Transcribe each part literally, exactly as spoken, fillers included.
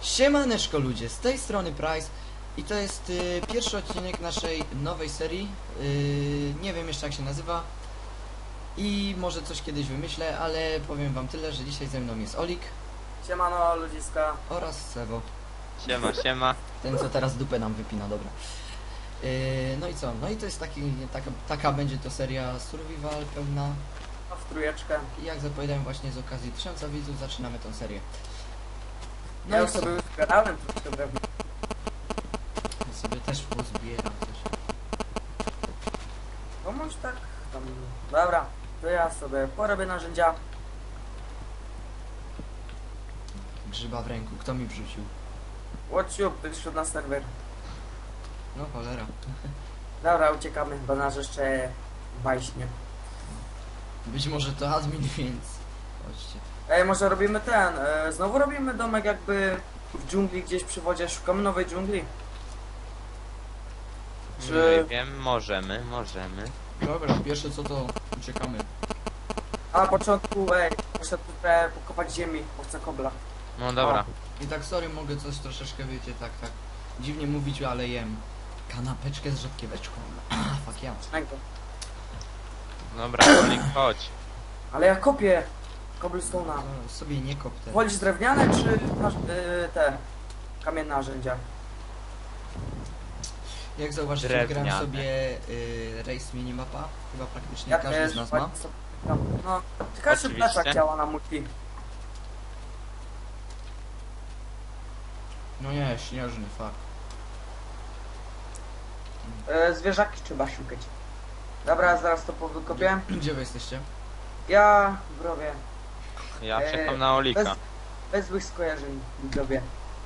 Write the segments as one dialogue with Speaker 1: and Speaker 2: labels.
Speaker 1: Siemaneczko ludzie, z tej strony Price i to jest y, pierwszy odcinek naszej nowej serii. y, Nie wiem jeszcze jak się nazywa i może coś kiedyś wymyślę, ale powiem wam tyle, że dzisiaj ze mną jest Olik
Speaker 2: Siemano ludziska.
Speaker 1: oraz Sewo,
Speaker 3: Siema, siema.
Speaker 1: ten co teraz dupę nam wypina, dobra. y, No i co, no i to jest taki, taka, taka będzie to seria survival pełna
Speaker 2: No, w trójeczkę.
Speaker 1: i jak zapowiadałem właśnie z okazji tysiąca widzów zaczynamy tą serię.
Speaker 2: Ja
Speaker 1: No
Speaker 2: już
Speaker 1: i co?
Speaker 2: sobie zbierałem troszkę drewna.
Speaker 1: Ja sobie też pozbieram coś.
Speaker 2: No może tak tam. Dobra, to ja sobie porobię narzędzia.
Speaker 1: Grzyba w ręku, kto mi wrzucił?
Speaker 2: WhatsApp, wyszedł na serwer.
Speaker 1: No cholera.
Speaker 2: Dobra, uciekamy, bo nasz jeszcze baśnie.
Speaker 1: Być może to admin, więc chodźcie.
Speaker 2: Ej, może robimy ten, e, znowu robimy domek jakby w dżungli gdzieś przy wodzie, szukamy nowej dżungli. Czy-
Speaker 3: Nie wiem, możemy, możemy.
Speaker 1: Dobra, pierwsze co to uciekamy.
Speaker 2: A na początku, ej, muszę tutaj pokopać ziemi, bo chcę kobla.
Speaker 3: No dobra.
Speaker 1: I tak sorry, mogę coś troszeczkę, wiecie, tak, tak dziwnie mówić, ale jem kanapeczkę z rzodkieweczką. Fuck ja.
Speaker 2: Czego?
Speaker 3: Dobra, Olik, chodź.
Speaker 2: Ale ja kopię cobblestone'a.
Speaker 1: No, sobie nie kop te.
Speaker 2: Wolisz drewniane czy masz, y, te kamienne narzędzia?
Speaker 1: Jak zauważycie,
Speaker 3: Drewniane.
Speaker 1: gram sobie y, race minimapa. Chyba praktycznie
Speaker 2: Ja
Speaker 1: każdy
Speaker 2: też
Speaker 1: z nas ma.
Speaker 2: właśnie sobie tam, no, ciekawe czy
Speaker 3: Oczywiście.
Speaker 2: plecak działa na multi.
Speaker 1: No nie, śnieżny, fuck.
Speaker 2: E, zwierzaki trzeba szukać. Dobra, zaraz to powykopię.
Speaker 1: Gdzie wy jesteście?
Speaker 2: Ja robię
Speaker 3: Ja
Speaker 2: Eee,
Speaker 3: czekam na Olika.
Speaker 2: bez, bez złych skojarzeń robię.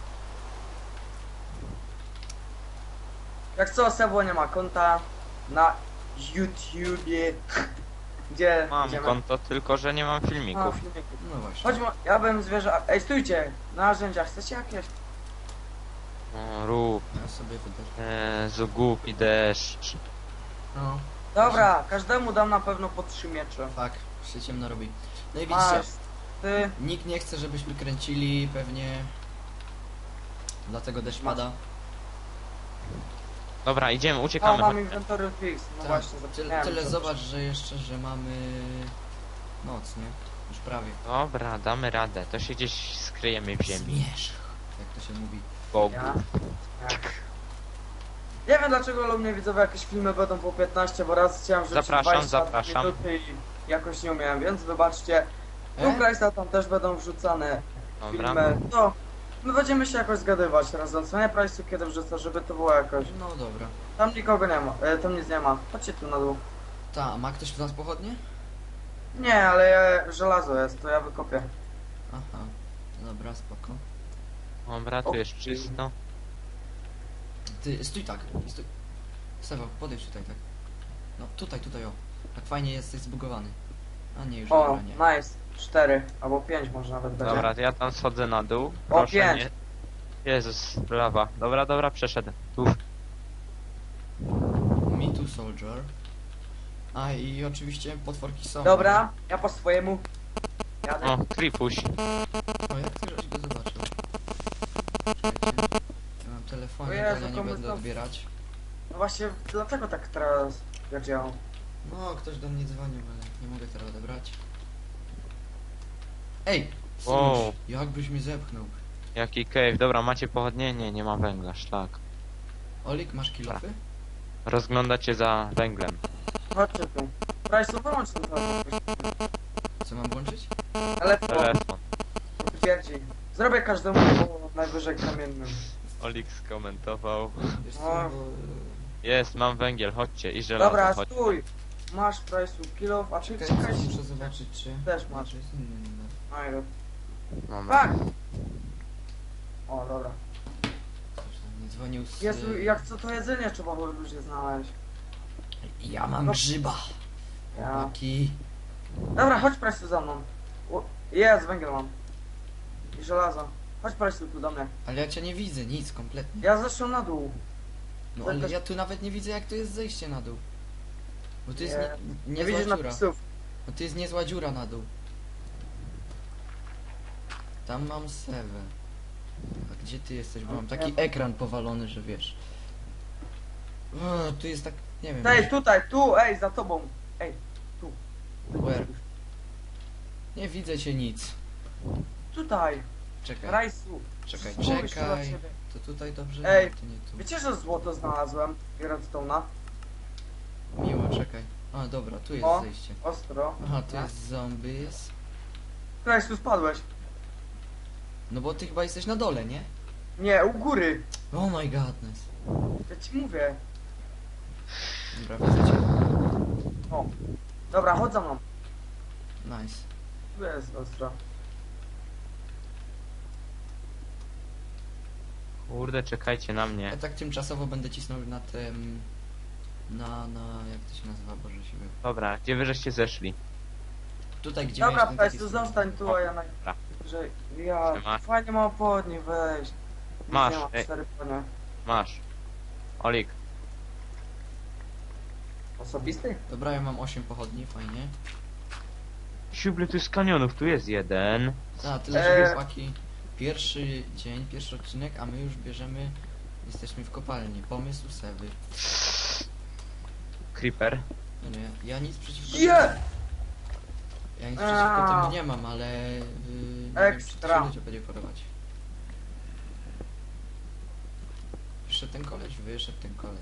Speaker 2: Jak co, Sebo nie ma konta na YouTubie. Gdzie
Speaker 3: Mam
Speaker 2: idziemy?
Speaker 3: konto, tylko że nie mam
Speaker 2: A,
Speaker 3: filmików.
Speaker 2: filmiki.
Speaker 1: No właśnie.
Speaker 2: Chodźmy, ja bym zwierzę... Ej, stójcie! Narzędzia, chcecie jakieś?
Speaker 3: O, rób.
Speaker 1: Ja sobie wydarzę.
Speaker 3: Jezu, głupi deszcz.
Speaker 1: No,
Speaker 2: Dobra, każdemu dam na pewno po trzy miecze.
Speaker 1: fuck, się ciemno robi. No i widzicie,
Speaker 2: Masz, ty...
Speaker 1: nikt nie chce, żebyśmy kręcili, pewnie dlatego deszcz pada.
Speaker 3: Dobra, idziemy,
Speaker 2: O,
Speaker 3: uciekamy.
Speaker 2: mam
Speaker 3: chodź.
Speaker 2: inventory fix. No
Speaker 1: Tak,
Speaker 2: właśnie,
Speaker 1: tyle,
Speaker 2: zapomniałem.
Speaker 1: tyle
Speaker 2: że-
Speaker 1: zobacz, że jeszcze, że mamy noc, nie? Już prawie.
Speaker 3: Dobra, damy radę. To się gdzieś skryjemy w ziemi.
Speaker 1: Zmierzch, jak to się mówi.
Speaker 3: Bogu.
Speaker 2: Ja? Tak. Nie wiem dlaczego ale u mnie widzowie jakieś filmy będą po piętnaście, bo raz chciałem wrzucić
Speaker 3: Zapraszam,
Speaker 2: dwadzieścia
Speaker 3: zapraszam.
Speaker 2: minuty i jakoś nie umiałem, więc wybaczcie. Tu
Speaker 1: E?
Speaker 2: Price'a tam też będą wrzucane
Speaker 3: Dobra.
Speaker 2: filmy. No, my będziemy się jakoś zgadywać razem. Co nie Price'u kiedy wrzucę, żeby to było jakoś.
Speaker 1: No dobra.
Speaker 2: Tam nikogo nie ma, e, tam nic nie ma. Chodźcie tu na dół.
Speaker 1: Ta, ma ktoś w nas pochodnie?
Speaker 2: Nie, ale ja, żelazo jest, to ja wykopię.
Speaker 1: Aha, dobra, spoko.
Speaker 3: Dobra, tu jest czysto.
Speaker 1: Ty, stój tak, stój. Sewo, podejdź tutaj tak. No, tutaj, tutaj, o. Tak fajnie jesteś zbugowany. A nie, już
Speaker 2: O,
Speaker 1: dobra, nie.
Speaker 2: nice. Cztery, albo pięć może nawet będzie.
Speaker 3: Dobra, to ja tam schodzę na dół.
Speaker 2: O,
Speaker 3: Proszę
Speaker 2: pięć.
Speaker 3: nie. Jezus, lawa. Dobra, dobra, przeszedłem. Uff.
Speaker 1: Me too, soldier. A i oczywiście potworki są.
Speaker 2: Dobra, ja po swojemu. Jadę.
Speaker 3: O, Kripuś.
Speaker 1: O, jak ty żeś go zobaczył? Czekajcie. Ja mam telefonik,
Speaker 2: O Jezu,
Speaker 1: ale nie
Speaker 2: komu
Speaker 1: będę
Speaker 2: to-
Speaker 1: odbierać.
Speaker 2: No właśnie, dlatego tak teraz jak działał.
Speaker 1: No, ktoś do mnie dzwonił, ale nie mogę teraz odebrać. Ej!
Speaker 3: Wow.
Speaker 1: Wow. Jakbyś mnie zepchnął.
Speaker 3: Jaki cave. Dobra, macie pochodnie? Nie, nie ma węgla, szlak.
Speaker 1: Olik, masz kilofy?
Speaker 3: Rozglądacie za węglem.
Speaker 2: Chodźcie tu. Price'u wyłącz ten telefon.
Speaker 1: Co mam włączyć?
Speaker 2: Ale to
Speaker 3: Telefon.
Speaker 2: twierdzi. Zrobię każdemu po najwyżej kamiennym.
Speaker 3: Olik skomentował.
Speaker 1: Wiesz co,
Speaker 2: No.
Speaker 1: bo...
Speaker 3: Jest, mam węgiel, chodźcie i żelazo,
Speaker 2: Dobra,
Speaker 3: chodź.
Speaker 2: stój. Masz Price'u kilo, a czy
Speaker 1: Czekaj,
Speaker 2: czekaj.
Speaker 1: muszę zobaczyć, czy...
Speaker 2: Też masz.
Speaker 1: Czy jest inny numer.
Speaker 2: No i
Speaker 3: Dobra.
Speaker 2: tak. O, dobra.
Speaker 1: Ktoś tam nie dzwonił z...
Speaker 2: Jezu, jak co to jedzenie trzeba było ludzie znaleźć.
Speaker 1: Ja mam
Speaker 2: No.
Speaker 1: grzyba.
Speaker 2: Ja.
Speaker 1: Chłopaki.
Speaker 2: Dobra, chodź Price'u za mną. O, jest, węgiel mam. I żelazo. Chodź Price'u tu do mnie.
Speaker 1: Ale ja cię nie widzę, nic, kompletnie.
Speaker 2: Ja zeszłem na dół.
Speaker 1: No
Speaker 2: to
Speaker 1: ale
Speaker 2: jakaś-
Speaker 1: ja tu nawet nie widzę, jak to jest zejście na dół. Bo to jest
Speaker 2: Nie.
Speaker 1: nie,
Speaker 2: Nie
Speaker 1: niezła
Speaker 2: widzisz
Speaker 1: dziura.
Speaker 2: napisów.
Speaker 1: No to jest niezła dziura na dół. Tam mam sewę. A Gdzie ty jesteś? Bo mam taki ekran powalony, że wiesz. O, tu jest tak, nie wiem.
Speaker 2: Ej, tutaj, tu, ej, za tobą. Ej, tu.
Speaker 1: Where? Nie widzę cię nic.
Speaker 2: Tutaj.
Speaker 1: Czekaj,
Speaker 2: Rajsu.
Speaker 1: czekaj,
Speaker 2: Spójrz, tu na
Speaker 1: czekaj.
Speaker 2: ciebie.
Speaker 1: To tutaj dobrze?
Speaker 2: Ej.
Speaker 1: Nie, to nie tu.
Speaker 2: Wiecie, że złoto znalazłem? I redstone'a?
Speaker 1: Miło, czekaj. A, dobra, tu jest
Speaker 2: O.
Speaker 1: zejście.
Speaker 2: Ostro.
Speaker 1: Aha, tu jest zombies.
Speaker 2: Rajsu, spadłeś.
Speaker 1: No bo ty chyba jesteś na dole, nie?
Speaker 2: Nie, u góry.
Speaker 1: Oh my godness.
Speaker 2: Ja ci mówię.
Speaker 1: Dobra, widzę cię.
Speaker 2: O. Dobra, chodź za mną.
Speaker 1: Nice.
Speaker 2: Tu jest ostro.
Speaker 3: Kurde, czekajcie na
Speaker 1: Ja
Speaker 3: mnie.
Speaker 1: tak tymczasowo będę cisnął na tym... Na, na... jak to się nazywa, Boże siły.
Speaker 3: Dobra, gdzie wy żeście zeszli?
Speaker 1: Tutaj, gdzie
Speaker 2: Dobra,
Speaker 1: miałeś ten taki
Speaker 2: Rajsu,
Speaker 1: stół.
Speaker 2: zostań tu, a ja na...
Speaker 3: Dobra.
Speaker 2: Że ja...
Speaker 3: Siema.
Speaker 2: Fajnie mam podni, weź.
Speaker 3: Masz,
Speaker 2: Nie mam
Speaker 3: ej.
Speaker 2: cztery konie.
Speaker 3: Masz. Olik.
Speaker 2: Osobisty?
Speaker 1: Dobra, ja mam osiem pochodni, fajnie.
Speaker 3: Siuble, tu jest kanionów, tu jest jeden.
Speaker 1: A, tyle, że
Speaker 2: Eee.
Speaker 1: chłopaki. Pierwszy dzień, pierwszy odcinek, a my już bierzemy... Jesteśmy w kopalni. Pomysł Sewy.
Speaker 3: Creeper.
Speaker 1: No nie, ja nic przeciwko
Speaker 2: Je!
Speaker 1: Ja nic przeciwko
Speaker 2: Aaa.
Speaker 1: temu nie mam, ale... Yy, nie wiem, czy to
Speaker 2: Ekstra.
Speaker 1: się ludzie będzie podobać. Wyszedł ten koleś, wyszedł ten koleś.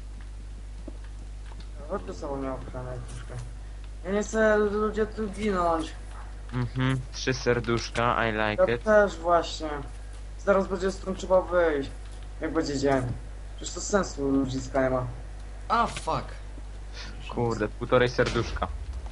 Speaker 2: Chodź tu sobą miał ochronę troszkę. Ja nie chcę ludzie tu ginąć.
Speaker 3: Mhm, trzy serduszka, I like
Speaker 2: Ja
Speaker 3: it.
Speaker 2: też właśnie. Zaraz będzie stąd trzeba wyjść. Jak będzie dzień. Przecież to sensu ludziska nie ma.
Speaker 1: A, fuck!
Speaker 3: Kurde, półtorej serduszka.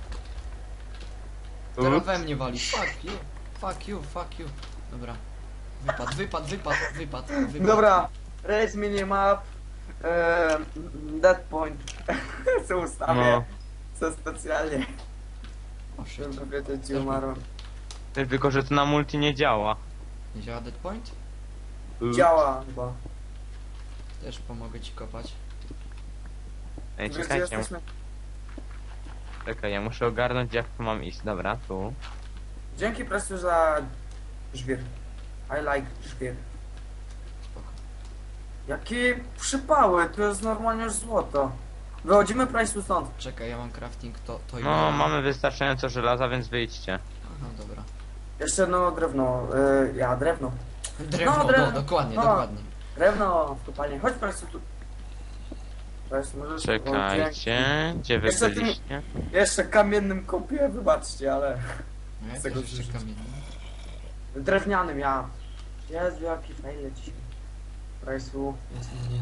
Speaker 1: Teraz
Speaker 3: Ups.
Speaker 1: we mnie wali. Fuck you, fuck you, fuck you. Dobra. Wypad, wypad, wypad, wypad, wypad.
Speaker 2: Dobra. Race minimap. Eee, dead point. Co ustawię.
Speaker 3: No.
Speaker 2: Co specjalnie.
Speaker 1: O shit.
Speaker 2: Żeby wiedzieć, gdzie umarłem.
Speaker 3: Ty, tylko, że to na multi nie działa.
Speaker 1: Nie działa dead point?
Speaker 3: Ups.
Speaker 2: Działa chyba.
Speaker 1: Też pomogę ci kopać.
Speaker 3: Ej,
Speaker 2: Wiesz, gdzie
Speaker 3: czekajcie,
Speaker 2: jesteśmy?
Speaker 3: czekaj, ja muszę ogarnąć jak tu mam iść. Dobra, tu.
Speaker 2: Dzięki Prestu za żwir. I like żwir.
Speaker 1: Spoko.
Speaker 2: Jakie przypały, to jest normalnie już złoto. Wychodzimy Prestu stąd.
Speaker 1: Czekaj, ja mam crafting, to, to i
Speaker 3: No, mamy wystarczająco żelaza, więc wyjdźcie.
Speaker 1: Aha, dobra.
Speaker 2: Jeszcze jedno drewno. Yy, ja drewno.
Speaker 1: Drewno,
Speaker 2: No, drewno.
Speaker 1: No, dokładnie,
Speaker 2: No.
Speaker 1: dokładnie.
Speaker 2: Drewno w kopalni. Chodź Prestu tu. Prestu, możesz... o,
Speaker 3: Czekajcie, gdzie wy
Speaker 2: Jeszcze ty-
Speaker 3: byliście?
Speaker 2: dzięki. Jeszcze kamiennym kopię, wybaczcie, ale...
Speaker 1: No ja
Speaker 2: Z
Speaker 1: też
Speaker 2: tego
Speaker 1: jeszcze
Speaker 2: wrzucić.
Speaker 1: kamienny.
Speaker 2: Drewnianym ja. Jezu, jaki fail leci. Prestu.
Speaker 1: Eee,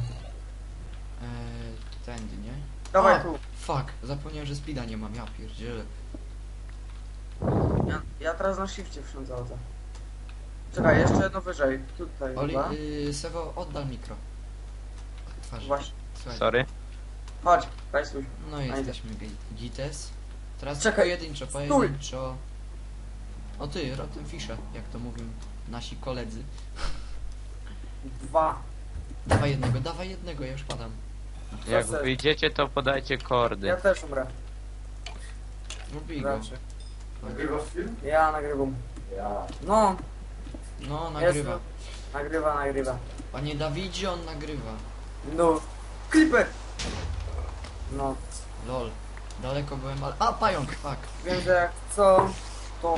Speaker 1: tędy, nie?
Speaker 2: Dawaj
Speaker 1: A,
Speaker 2: tu.
Speaker 1: Fuck, zapomniałem, że speeda nie mam, ja pierdzielę.
Speaker 2: Ja, ja teraz na shifcie wsiądzę. Czekaj, jeszcze jedno wyżej. Tutaj
Speaker 1: Oli,
Speaker 2: chyba.
Speaker 1: yy, Sewo, oddal mikro. Twarz.
Speaker 2: Właśnie.
Speaker 1: Słuchaj.
Speaker 3: Sorry.
Speaker 2: Chodź, Prestu.
Speaker 1: No i jesteśmy gi- gites. Teraz
Speaker 2: Czekaj.
Speaker 1: pojedynczo, pojedynczo. O ty, Rotten Fisher, jak to mówią nasi koledzy.
Speaker 2: Dwa.
Speaker 1: Dawaj jednego, dawaj jednego, ja już padam.
Speaker 3: Jak
Speaker 2: Proszę.
Speaker 3: wyjdziecie, to podajcie kordy.
Speaker 2: Ja też umrę.
Speaker 1: Lubi go.
Speaker 2: Raczej. Ja nagrywam. No,
Speaker 1: No, nagrywa.
Speaker 2: jest. Nagrywa, nagrywa.
Speaker 1: Panie Dawidzie, on nagrywa.
Speaker 2: No. Creeper! No.
Speaker 1: Lol. Daleko byłem, ale... A, pająk, fuck.
Speaker 2: Wiem, że jak co, to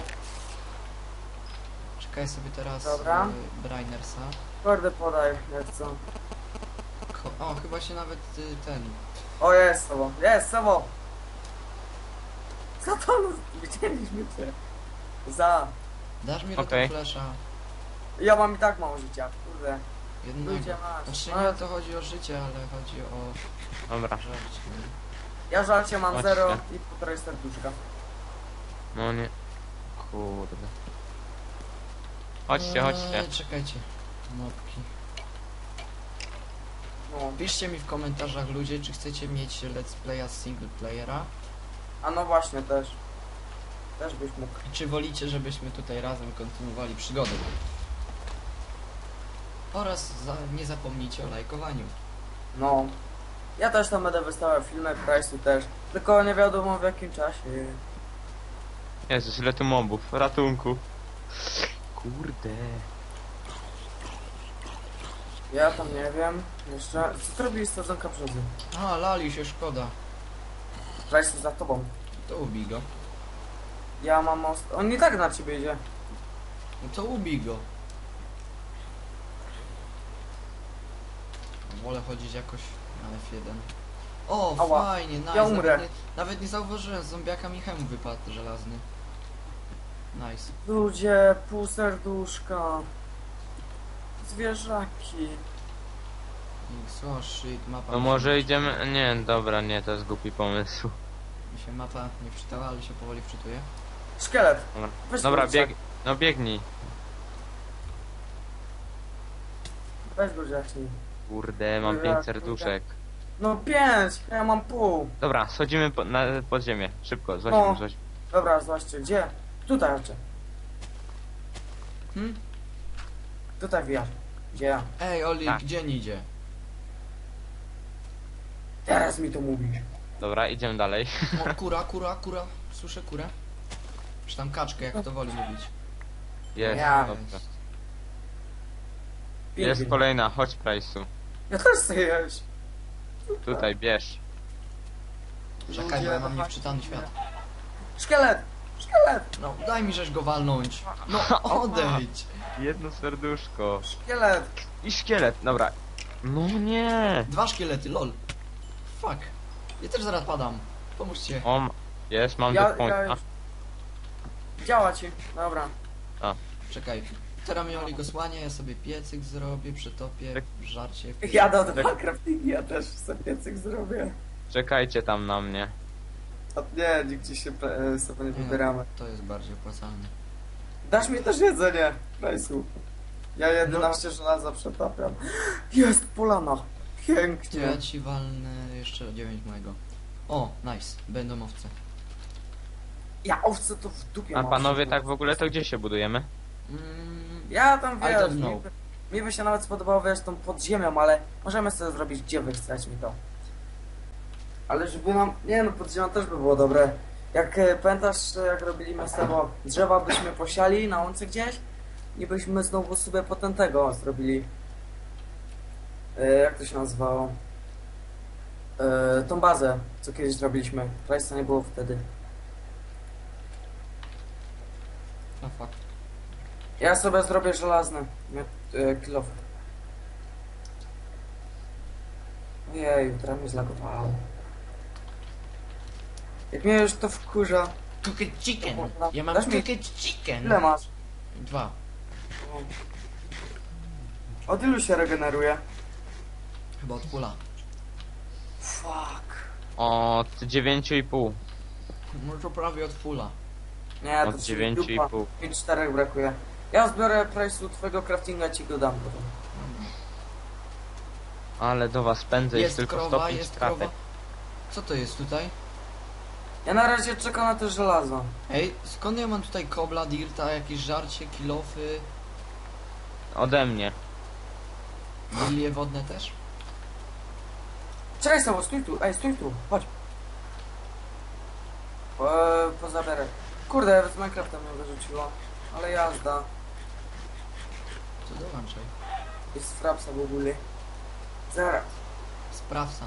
Speaker 1: Czekaj sobie teraz
Speaker 2: Dobra.
Speaker 1: y, Brainersa.
Speaker 2: kordę podaj, jak co.
Speaker 1: Ko o, chyba się nawet y, ten...
Speaker 2: O, jest sobą. Jest sobą. Co to? No, widzieliśmy cię. Za.
Speaker 1: Dasz mi
Speaker 3: Okej.
Speaker 1: Rotten Flasha?
Speaker 2: Ja mam i tak mało życia, kurde.
Speaker 1: Jednego.
Speaker 2: Ludzie masz.
Speaker 1: Znaczy
Speaker 2: No,
Speaker 1: nie to chodzi o życie, ale chodzi o
Speaker 3: Dobra.
Speaker 1: żarcie. nie?
Speaker 2: ja żalcie mam
Speaker 3: Chodźcie.
Speaker 2: zero i półtorej serduszka.
Speaker 3: No nie. Kurde. Chodźcie, chodźcie.
Speaker 1: Eee, czekajcie. Mopki.
Speaker 2: No.
Speaker 1: Piszcie mi w komentarzach ludzie, czy chcecie mieć let's playa single playera,
Speaker 2: A no właśnie, też. Też byś mógł.
Speaker 1: i czy wolicie, żebyśmy tutaj razem kontynuowali przygodę. Oraz za, nie zapomnijcie o lajkowaniu.
Speaker 2: No. Ja też tam będę wystawiał filmy, Price'u też. Tylko nie wiadomo w jakim czasie.
Speaker 3: Jezus, ile tu mobów. Ratunku. Kurde.
Speaker 2: Ja tam nie wiem. Jeszcze. Co to robi sadzonka brzozy?
Speaker 1: A, lali się, szkoda.
Speaker 2: Price za tobą.
Speaker 1: To ubij go.
Speaker 2: Ja mam most. On nie tak na ciebie idzie.
Speaker 1: No to ubij go. Wolę chodzić jakoś na F jeden. O,
Speaker 2: Ała.
Speaker 1: fajnie, nice.
Speaker 2: Ja umrę.
Speaker 1: Nawet nie, nawet nie zauważyłem, z zombiaka mi hełm wypadł żelazny. Nice.
Speaker 2: Ludzie, pół serduszka. Zwierzaki.
Speaker 1: I so shit, mapa.
Speaker 3: No
Speaker 1: mi
Speaker 3: może
Speaker 1: się,
Speaker 3: idziemy... Nie, dobra, nie, to jest głupi pomysł.
Speaker 1: mi się mapa nie wczytała, ale się powoli wczytuje.
Speaker 2: Szkielet.
Speaker 3: Dobra,
Speaker 2: Weź
Speaker 3: dobra
Speaker 2: go
Speaker 3: bieg...
Speaker 2: rzucaj.
Speaker 3: No biegnij.
Speaker 2: Weź go zacznij.
Speaker 3: Kurde, mam
Speaker 2: Ja,
Speaker 3: pięć
Speaker 2: kurde.
Speaker 3: serduszek.
Speaker 2: No pięć, a ja mam pół.
Speaker 3: Dobra, schodzimy po, na, pod ziemię. Szybko, złaźmy,
Speaker 2: No.
Speaker 3: złaźmy.
Speaker 2: Dobra, zobaczcie, gdzie? Tutaj raczej.
Speaker 1: Hm?
Speaker 2: Tutaj wiatr. Gdzie ja?
Speaker 1: Ej, Oli,
Speaker 3: Tak.
Speaker 1: gdzie nie idzie?
Speaker 2: Teraz mi to mówisz.
Speaker 3: Dobra, idziemy dalej.
Speaker 1: O, kura, kura, kura. Słyszę kurę. Czy tam kaczkę, jak to woli mówić.
Speaker 3: Jest,
Speaker 2: Ja.
Speaker 3: dobrze.
Speaker 2: Pięknie.
Speaker 3: Jest kolejna, chodź Price'u.
Speaker 2: Ja też chcę jeść.
Speaker 3: Tutaj, bierz.
Speaker 1: Czekaj, bo ja mam niewczytany świat.
Speaker 2: Szkielet! Szkielet!
Speaker 1: No, daj mi żeś go walnąć. No, odejdź.
Speaker 3: Jedno serduszko.
Speaker 2: Szkielet!
Speaker 3: I szkielet, dobra. No nie.
Speaker 1: Dwa szkielety, lol. Fuck. Ja też zaraz padam. Pomóżcie.
Speaker 3: O, m- jest, mam
Speaker 2: Ja,
Speaker 3: do pointa.
Speaker 2: ja... Działa ci. Dobra.
Speaker 1: Czekaj. Teraz mi Oli go słanie, ja sobie piecyk zrobię, przetopię,
Speaker 3: Tak.
Speaker 1: żarcie.
Speaker 2: Ja do dwa craftingi, ja też sobie piecyk zrobię.
Speaker 3: Czekajcie tam na mnie.
Speaker 2: A nie, nigdzie się e, sobie nie
Speaker 1: Nie,
Speaker 2: wybieramy.
Speaker 1: To jest bardziej opłacalne.
Speaker 2: Dasz mi też jedzenie, Rajsu. Ja jedenaście żelaza przetapiam. Jest polana.
Speaker 1: To
Speaker 2: Pięknie.
Speaker 1: ja ci walnę jeszcze dziewięć mojego. O, nice. Będą owce.
Speaker 2: Ja owce to w dupie
Speaker 3: A
Speaker 2: mam.
Speaker 3: panowie, tak w ogóle to gdzie się budujemy?
Speaker 1: Mm,
Speaker 2: Ja tam
Speaker 1: I
Speaker 2: wiesz,
Speaker 1: don't
Speaker 2: mi,
Speaker 1: know.
Speaker 2: by- mi by się nawet spodobało wiesz tą podziemią, ale możemy sobie zrobić gdzie wy chcecie mi to. Ale żeby nam, nie no podziemia też by było dobre. Jak e, pamiętasz jak robiliśmy z tego drzewa byśmy posiali na łące gdzieś i byśmy znowu sobie potem tego zrobili. E, jak to się nazywało? E, tą bazę, co kiedyś zrobiliśmy. Price'a nie było wtedy.
Speaker 1: no fuck.
Speaker 2: Ja sobie zrobię żelazny e, kilof. Ojej, teraz mnie zlagowało. Jak mnie już to wkurza.
Speaker 1: Cooked chicken.
Speaker 2: Dobra.
Speaker 1: Ja mam
Speaker 2: Dasz mi-
Speaker 1: cooked chicken.
Speaker 2: Ile masz?
Speaker 1: Dwa.
Speaker 2: Od ilu się regeneruje?
Speaker 1: Chyba od pula.
Speaker 2: Fuck.
Speaker 3: Od dziewięciu i pół.
Speaker 1: No to prawie od pula.
Speaker 2: Nie, to
Speaker 3: Od
Speaker 2: ci
Speaker 3: dziewięciu i
Speaker 2: dupa.
Speaker 3: pół.
Speaker 2: Mi czterech brakuje. Ja zbiorę price'u twojego craftinga i ci go dam potem.
Speaker 3: Ale do was pędzę, jest,
Speaker 1: Jest
Speaker 3: tylko
Speaker 1: krowa,
Speaker 3: stopień
Speaker 1: jest
Speaker 3: stratek.
Speaker 1: krowa. Co to jest tutaj?
Speaker 2: Ja na razie czekam na to żelazo.
Speaker 1: Ej, skąd ja mam tutaj kobla, dirta, jakieś żarcie, kilofy,
Speaker 3: Ode mnie.
Speaker 1: lilie wodne też?
Speaker 2: Czekaj Sabo, stój tu, ej, stój tu, chodź. Eee, pozabieraj. Kurde, z Minecrafta mnie wyrzuciło. Ale jazda.
Speaker 1: Co dołączaj?
Speaker 2: Jest frapsa w ogóle. Zaraz.
Speaker 1: Sprawca.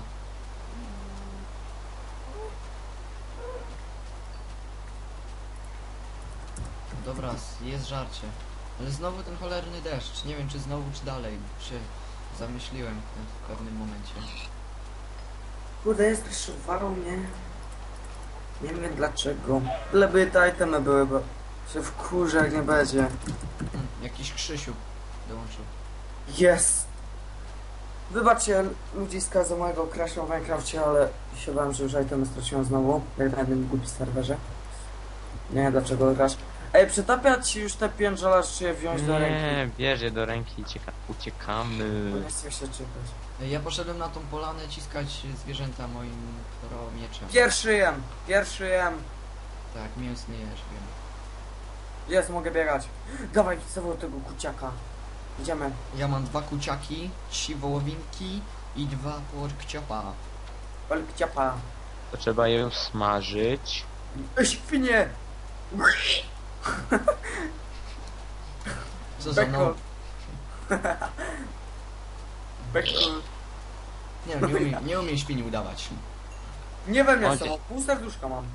Speaker 1: Dobra, s- jest żarcie. Ale znowu ten cholerny deszcz. Nie wiem czy znowu, czy dalej. Się zamyśliłem w pewnym momencie.
Speaker 2: Kurde, jest przyszywarą mnie. Nie wiem dlaczego. Byleby te itemy były, bo się wkurzę jak nie będzie.
Speaker 1: Hmm, jakiś Krzysiu dołączył.
Speaker 2: Jest! Wybaczcie ludziska za mojego crasha w Minecrafcie, ale się bałem, że już itemy straciłem znowu. Jak na jednym głupi serwerze. Nie wiem dlaczego crash. Ej, przetapiać już te pięć żelaż, czy je wziąć do ręki?
Speaker 3: Nie, bierz je do ręki i cieka-
Speaker 2: Bo
Speaker 3: uciekamy.
Speaker 2: nie chcę się czekać.
Speaker 1: Ej, Ja poszedłem na tą polanę ciskać zwierzęta moim mieczem.
Speaker 2: Pierwszy jem! Pierwszy jem!
Speaker 1: Tak, mięsny jesz, wiem.
Speaker 2: Jest, mogę biegać. Dawaj, zawołaj tego kuciaka. Idziemy.
Speaker 1: Ja mam dwa kuciaki, trzy wołowinki i dwa porkciopa.
Speaker 2: Olkciapa.
Speaker 3: To trzeba je smażyć.
Speaker 2: Ej, świnie!
Speaker 1: Co za
Speaker 2: Beko.
Speaker 1: no?
Speaker 2: Beku.
Speaker 1: Nie no, nie umiem, nie umiem świni udawać.
Speaker 2: Nie we mnie
Speaker 3: Chodź.
Speaker 2: są, pół serduszka mam.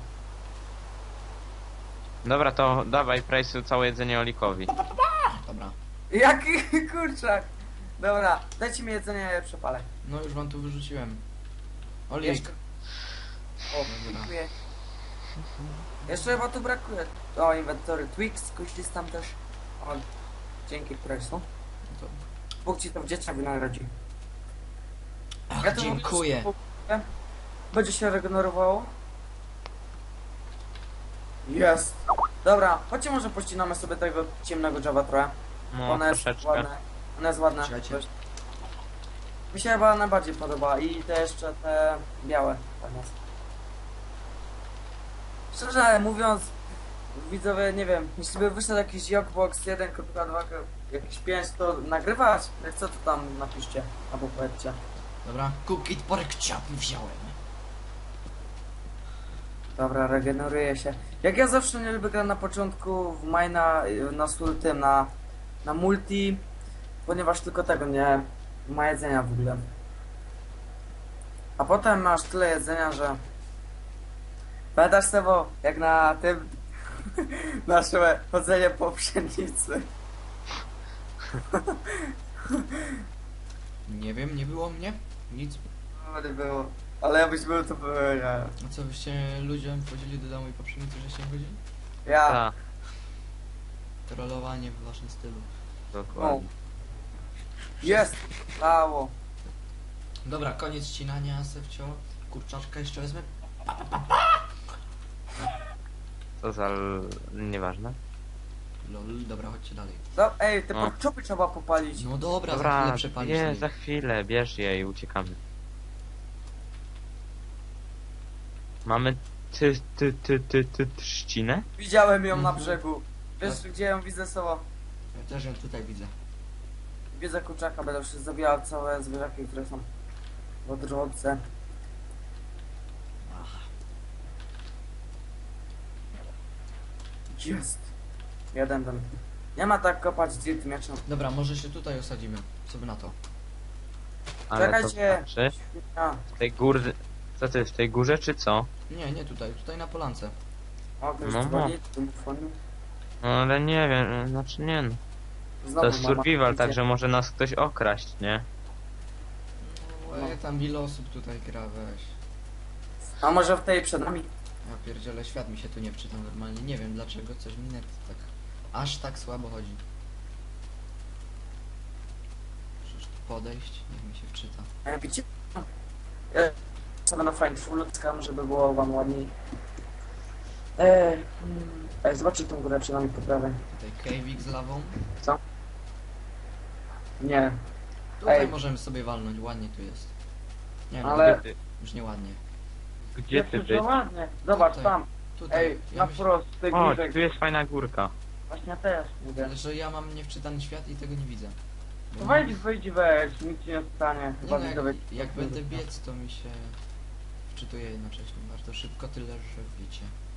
Speaker 3: Dobra, to dawaj Price'u całe jedzenie Olikowi.
Speaker 1: Dobra.
Speaker 2: Jaki kurczak. Dobra, dajcie mi jedzenie, ja je przepalę.
Speaker 1: No już wam tu wyrzuciłem. Olik.
Speaker 2: Jeszcze. O, dziękuję. Jeszcze chyba tu brakuje. O, inwentory Twix, kuślis tam też. O, dzięki Price'u.
Speaker 1: To...
Speaker 2: Bóg ci to w dzieciach wynagrodzi.
Speaker 1: Ach,
Speaker 2: Ja to
Speaker 1: dziękuję.
Speaker 2: mówię, że będzie się regenerowało. Jest. Dobra, chodźcie może pościnamy sobie tego ciemnego Java trochę.
Speaker 3: No,
Speaker 2: Ona jest
Speaker 3: troszeczkę.
Speaker 2: ładna. Ona jest ładna.
Speaker 1: Czekajcie.
Speaker 2: Dość. Mi się chyba najbardziej podoba i te jeszcze te białe tam jest. Szczerze mówiąc, widzowie, nie wiem, jeśli by wyszedł jakiś Jokbox jeden kropka dwa, jakiś pięć, to nagrywać? Jak co to tam napiszcie, albo powiedzcie.
Speaker 1: Dobra. Cookie pork chop wziąłem.
Speaker 2: Dobra, regeneruje się. Jak ja zawsze nie lubię grać na początku w Mina, na sul tym, na, na multi, ponieważ tylko tego nie ma jedzenia w ogóle. A potem masz tyle jedzenia, że... Pamiętasz Sebo, jak na tym nasze chodzenie po pszenicy.
Speaker 1: Nie wiem, nie było mnie. Nic.
Speaker 2: No, nie było. Ale jakbyś był, to byłem ja.
Speaker 1: A co, byście ludziom wchodzili do domu i po pszenicy, żeście chodzili?
Speaker 2: Ja.
Speaker 3: Tak,
Speaker 1: Trollowanie w waszym stylu.
Speaker 3: dokładnie.
Speaker 2: Jest! Dało.
Speaker 1: Dobra, koniec ścinania, Sefcio. Kurczaczka jeszcze wezmę.
Speaker 3: Co za... l- nieważne.
Speaker 1: Lol, dobra, chodźcie dalej.
Speaker 2: No, ej, te
Speaker 3: No.
Speaker 2: podczopy trzeba popalić.
Speaker 1: No dobra, za
Speaker 3: Dobra,
Speaker 1: chwilę przepalisz.
Speaker 3: nie,
Speaker 1: Olik.
Speaker 3: za chwilę, bierz je i uciekamy. Mamy ty, ty, ty, ty, ty, trzcinę?
Speaker 2: Widziałem ją na
Speaker 1: Mhm.
Speaker 2: brzegu. Wiesz, gdzie ją widzę Sebo?
Speaker 1: Ja też ją tutaj widzę.
Speaker 2: Widzę kurczaka, będę już zabijał całe zwierzaki, które są w drodze.
Speaker 1: Ach,
Speaker 2: Jest. Jeden ten. Nie ma tak kopać dirt mieczem.
Speaker 1: dobra, może się tutaj osadzimy. Co by na to?
Speaker 3: Ale to
Speaker 2: Czekajcie.
Speaker 3: znaczy,
Speaker 2: A,
Speaker 3: w tej góry... Co ty, w tej górze czy co?
Speaker 1: Nie, nie tutaj, tutaj na polance.
Speaker 2: o, ktoś
Speaker 3: No,
Speaker 2: dzwoni, telefon.
Speaker 3: No ale nie wiem, znaczy nie no.
Speaker 2: Znowu
Speaker 3: To jest
Speaker 2: mama
Speaker 3: survival,
Speaker 2: idzie.
Speaker 3: także może nas ktoś okraść, nie?
Speaker 1: No, ej, tam ile osób tutaj gra, weź.
Speaker 2: A może w tej przed nami?
Speaker 1: Ja pierdzielę, świat mi się tu nie wczyta normalnie. Nie wiem dlaczego, coś mi net tak... Aż tak słabo chodzi. Przecież tu podejść, niech mi się wczyta.
Speaker 2: E, widzicie? Ja sobie na fajnie ludzkam, żeby było wam ładniej. E, mm, e, zobaczcie tą górę przed nami po prawej.
Speaker 1: Tutaj cave'ik z lawą.
Speaker 2: Nie,
Speaker 1: Tutaj
Speaker 2: Ej.
Speaker 1: możemy sobie walnąć, ładnie tu jest. Nie no,
Speaker 2: ale...
Speaker 3: Gdzie ty,
Speaker 1: już nie ładnie.
Speaker 3: gdzie ty
Speaker 2: Jest
Speaker 3: być?
Speaker 2: to ładnie. Zobacz
Speaker 1: Tutaj.
Speaker 2: tam.
Speaker 1: Tutaj,
Speaker 2: Ej,
Speaker 1: ja
Speaker 2: na
Speaker 1: myśl,
Speaker 2: wprost, tej
Speaker 3: O,
Speaker 2: górze.
Speaker 3: tu jest fajna górka.
Speaker 2: Właśnie też mówię.
Speaker 1: że ja mam niewczytany świat i tego nie widzę. Bo
Speaker 2: To
Speaker 1: mam-
Speaker 2: wejdź, wyjdź, weź, nic ci nie stanie.
Speaker 1: Nie
Speaker 2: Chyba
Speaker 1: no,
Speaker 2: widzowie-
Speaker 1: jak, jak będę biec, to mi się wczytuje jednocześnie bardzo szybko, tyle że wiecie.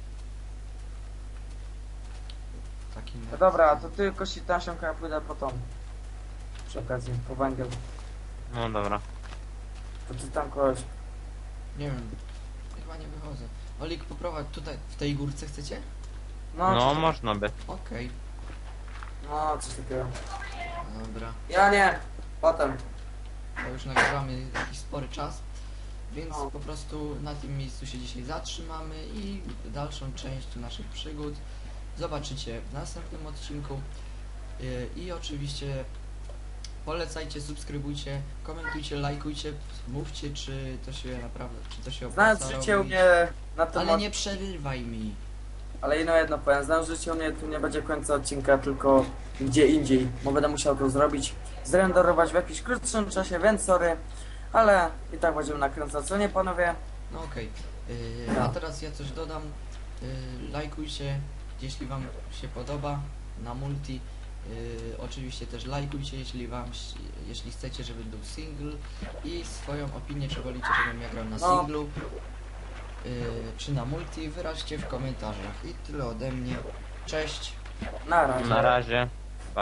Speaker 1: Taki
Speaker 2: No dobra, to ty kości tasionka, ja pójdę po tą. Przy okazji, po węgiel.
Speaker 3: No dobra.
Speaker 2: To ty tam kogoś.
Speaker 1: Nie wiem, chyba nie wychodzę. Olik, poprowadź tutaj, w tej górce chcecie?
Speaker 2: No,
Speaker 3: No,
Speaker 2: coś-
Speaker 3: można by.
Speaker 1: Okej,
Speaker 2: no, coś takiego.
Speaker 1: dobra.
Speaker 2: Ja nie, potem.
Speaker 1: To już nagrywamy jakiś spory czas, więc
Speaker 2: No.
Speaker 1: po prostu na tym miejscu się dzisiaj zatrzymamy i dalszą część naszych przygód zobaczycie w następnym odcinku. Yy, I oczywiście polecajcie, subskrybujcie, komentujcie, lajkujcie, mówcie czy to się naprawdę, czy to się opłaca
Speaker 2: Znając życie u
Speaker 1: robić.
Speaker 2: mnie na tym.
Speaker 1: Ale nie przerywaj mi.
Speaker 2: Ale ino jedno powiem, znając życie u mnie tu nie będzie końca odcinka, tylko gdzie indziej. Bo będę musiał to zrobić, zrenderować w jakimś krótszym czasie, więc sorry. Ale i tak będziemy nakręcać, co nie panowie?
Speaker 1: No okej. Yy,
Speaker 2: No.
Speaker 1: A teraz ja coś dodam. Yy, lajkujcie, jeśli wam się podoba na multi. Yy, oczywiście też lajkujcie, jeśli wam, jeśli chcecie, żeby był single i swoją opinię, czy wolicie, żebym ja grał na
Speaker 2: No.
Speaker 1: singlu, yy, czy na multi, wyraźcie w komentarzach. I tyle ode mnie. Cześć.
Speaker 2: Na razie.
Speaker 3: Na razie.